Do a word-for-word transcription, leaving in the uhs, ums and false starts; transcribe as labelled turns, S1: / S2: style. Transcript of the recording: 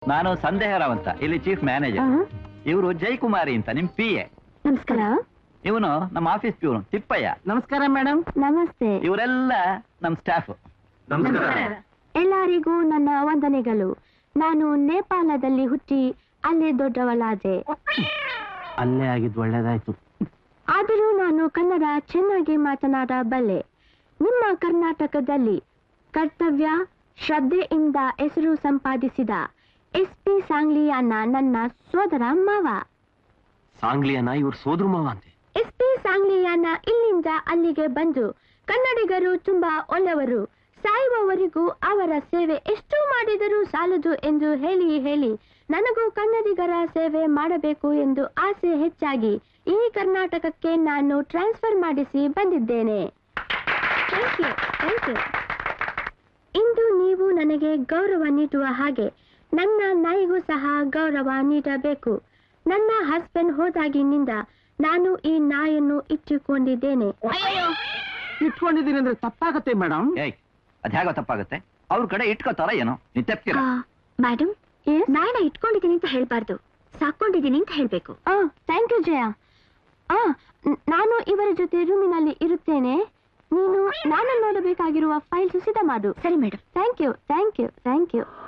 S1: ನಾನು ಸಂದೇಹರಾವ್ ಅಂತ, ಇಲ್ಲಿ ಚೀಫ್ ಮ್ಯಾನೇಜರ್. ಇವರು ಜಯಕುಮಾರಿ ಅಂತ, ನಿಮ್ ಪಿ ಎ.
S2: ನಮಸ್ಕಾರ.
S1: ಇವನು ನಮ್ಮ ಆಫೀಸ್ ಪ್ಯೂನ್ ತಿಪ್ಪಯ್ಯ.
S3: ನಮಸ್ಕಾರ ಮೇಡಮ್.
S2: ನಮಸ್ತೆ.
S1: ಇವರೆಲ್ಲ ನಮ್ ಸ್ಟಾಫ್.
S2: ಎಲ್ಲರಿಗೂ ನನ್ನ ವಂದನೆಗಳು. ನಾನು ನೇಪಾಳದಲ್ಲಿ ಹುಟ್ಟಿ ಅಲ್ಲೇ ದೊಡ್ಡವಳಾದೆ.
S3: ಅಲ್ಲೇ ಆಗಿದ್ದು ಒಳ್ಳೇದಾಯ್ತು.
S2: ಆದರೂ ನಾನು ಕನ್ನಡ ಚೆನ್ನಾಗಿ ಮಾತನಾಡಬಲ್ಲೆ. ನಿಮ್ಮ ಕರ್ನಾಟಕದಲ್ಲಿ ಕರ್ತವ್ಯ ಶ್ರದ್ಧೆಯಿಂದ ಹೆಸರು ಸಂಪಾದಿಸಿದ ಎಸ್ ಪಿ ಸಾಂಗ್ಲಿಯಾನ ನನ್ನ ಸೋದರ ಮಾವ.
S3: ಸಾಂಗ್ಲಿಯಾನ ಇವ್ರ ಸೋದರ ಮಾವ ಅಂತೆ.
S2: ಎಸ್ ಪಿ ಸಾಂಗ್ಲಿಯಾನ ಇಲ್ಲಿಂದ ಅಲ್ಲಿಗೆ ಬಂದು ಕನ್ನಡಿಗರು ತುಂಬಾ ಒಳ್ಳೆಯವರು, ಸಾಯುವವರೆಗೂ ಅವರ ಸೇವೆ ಎಷ್ಟು ಮಾಡಿದರೂ ಸಾಲದು ಎಂದು ಹೇಳಿ ಹೇಳಿ ನನಗೂ ಕನ್ನಡಿಗರ ಸೇವೆ ಮಾಡಬೇಕು ಎಂದು ಆಸೆ ಹೆಚ್ಚಾಗಿ ಈ ಕರ್ನಾಟಕಕ್ಕೆ ನಾನು ಟ್ರಾನ್ಸ್ಫರ್ ಮಾಡಿಸಿ ಬಂದಿದ್ದೇನೆ. Thank you, thank you. ಇಂದು ನೀವು ನನಗೆ ಗೌರವ ನೀಡುವ ಹಾಗೆ ನನ್ನ ನಾಯಿಗೂ ಸಹ ಗೌರವ ನೀಡಬೇಕು. ನನ್ನ ಹಸ್ಬೆಂಡ್ ಹೋದಾಗಿನಿಂದ ನಾನು ಈ ನಾಯನ್ನು ಇಟ್ಟುಕೊಂಡಿದ್ದೇನೆ.
S3: ಇಟ್ಕೊಂಡಿದ್ದೀನಿ ಅಂದ್ರೆ ತಪ್ಪಾಗತ್ತೆ ಮೇಡಮ್.
S1: ಏಯ್, ಅದ್ಯಾಗೋ ತಪ್ಪಾಗುತ್ತೆ? ಅವ್ರ ಕಡೆ ಇಟ್ಕೋತಾರ ಏನೋ, ನೀ ತಪ್ಪಿರ.
S2: ಮೇಡಮ್, ನಾಯಿನ ಇಟ್ಕೊಂಡಿದ್ದೀನಿ ಅಂತ ಹೇಳ್ಬಾರ್ದು, ಸಾಕೊಂಡಿದ್ದೀನಿ ಅಂತ ಹೇಳ್ಬೇಕು. Thank you Jaya. ಆ ನಾನು ಇವರ ಜೊತೆ ರೂಮಿನಲ್ಲಿ ಇರುತ್ತೇನೆ. ನೀನು ನಾನು ನೋಡಬೇಕಾಗಿರುವ ಫೈಲ್ಸ್ ಸಿದ್ಧ ಮಾಡು. ಸರಿ madam. Thank you, thank you, thank you.